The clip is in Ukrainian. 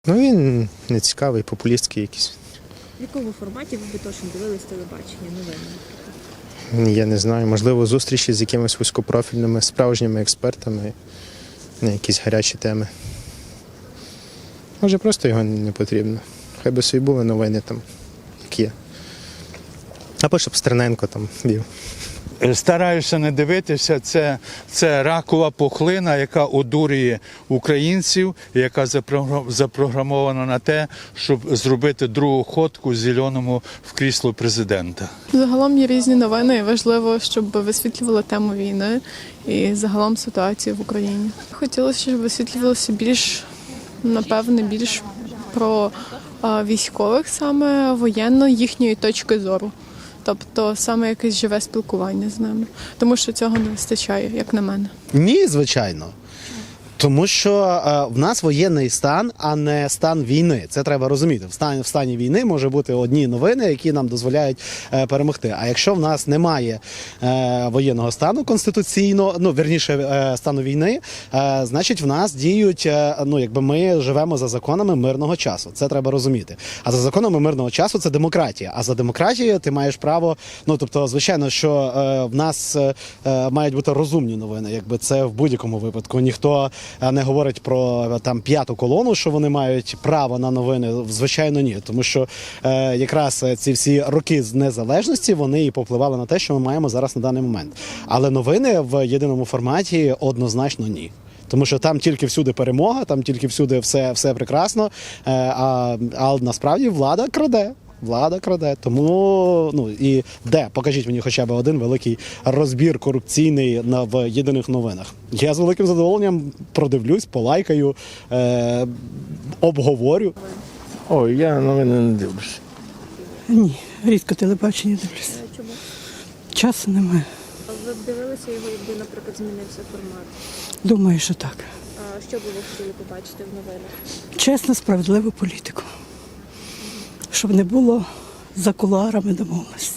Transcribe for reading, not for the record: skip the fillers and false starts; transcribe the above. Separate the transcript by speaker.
Speaker 1: Ну він не цікавий, популістський якийсь.
Speaker 2: В якому форматі ви б точно дивились телебачення, новини?
Speaker 1: Я не знаю, можливо, зустрічі з якимись вузькопрофільними справжніми експертами на якісь гарячі теми. Може, просто його не потрібно. Хай би собі були новини там, як є. Або щоб Стерненко там вів.
Speaker 3: Стараюся не дивитися, це ракова пухлина, яка одурює українців, яка запрограмована на те, щоб зробити другу ходку зеленому в крісло президента.
Speaker 4: Загалом є різні новини, і важливо, щоб висвітлювали тему війни і загалом ситуацію в Україні. Хотілося, щоб висвітлювалося більш, напевне, більш про військових, саме воєнно, їхньої точки зору. Тобто саме якесь живе спілкування з ними. Тому що цього не вистачає, як на мене.
Speaker 5: Ні, звичайно. Тому що в нас воєнний стан, а не стан війни. Це треба розуміти. В стані війни може бути одні новини, які нам дозволяють перемогти. А якщо в нас немає воєнного стану конституційно, стану війни, значить в нас діють, якби ми живемо за законами мирного часу. Це треба розуміти. А за законами мирного часу це демократія. А за демократією ти маєш право, тобто, звичайно, що в нас мають бути розумні новини, якби це в будь-якому випадку. Ніхто не говорить про там п'яту колону, що вони мають право на новини. Звичайно, ні. Тому що якраз ці всі роки з незалежності, вони і попливали на те, що ми маємо зараз на даний момент. Але новини в єдиному форматі однозначно ні. Тому що там тільки всюди перемога, там тільки всюди все прекрасно, а насправді влада краде. Влада краде. Тому, і де? Покажіть мені хоча б один великий розбір корупційний в єдиних новинах. Я з великим задоволенням продивлюсь, полайкаю, обговорю.
Speaker 6: Ой, я новини не дивлюся.
Speaker 7: Ні, рідко телебачення дивлюся.
Speaker 2: Чому?
Speaker 7: Часу немає.
Speaker 2: Ви б дивилися його, якби, наприклад, змінився формат?
Speaker 7: Думаю, що так.
Speaker 2: А що б ви хотіли побачити в новинах?
Speaker 7: Чесну, справедливу політику. Щоб не було за кулуарами домовленостей.